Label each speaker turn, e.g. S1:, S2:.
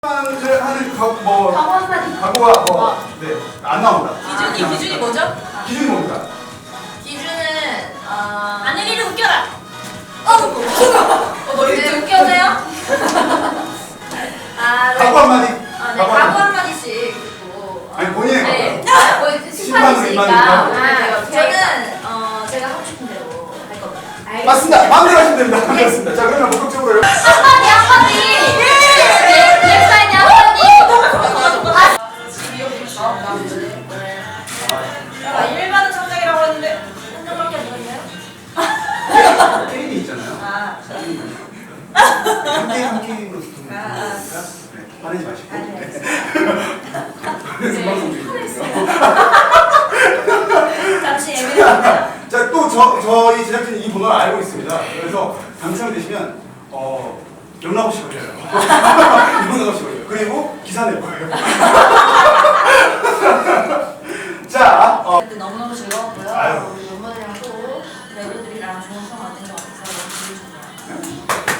S1: 하는 뭐
S2: 각오가
S1: 네, 안 나옵니다.
S3: 기준이 뭐죠?
S1: 기준이 뭡니까?
S3: 기준은 아내리를 웃겨라.
S2: 너
S3: 네, 웃겨져요? 네.
S1: 각오 한마디.
S3: 네, 각오 한마디씩 듣고.
S1: 아니 본인의
S3: 네.
S1: 각오.
S3: 뭐
S1: 심판으로
S3: 심판이시니까.
S1: 임하니까.
S3: 저는 제가 하고 싶은 대로 할 겁니다.
S1: 맞습니다. 마음대로 하시면 됩니다. 그렇습니다. 자 그러면 본격적으로
S3: 한마디 한마디. 넥사이드 한마디. 일반은 성장이라고 했는데 한정밖에 안 보이나요?
S1: 게임이 있잖아요.
S3: 아.
S1: 한 게임으로 붙으니까 화내지 마시고. 그래서 방송 중이거든요.
S3: 잠시 예민합니다.
S1: 자, 또 저희 제작진이 이 번호를 알고 있습니다. 그래서 당첨이 되시면 연락 없이 걸려요. 연락 없이 걸려요. 그리고 기사 낼 거예요. 자,
S3: 너무너무 즐거웠고요.
S1: 아유.
S3: 우리 멤버들이랑 또 배우들이랑 좋은 시간 만든 것 같아서 너무 기분이 좋네요.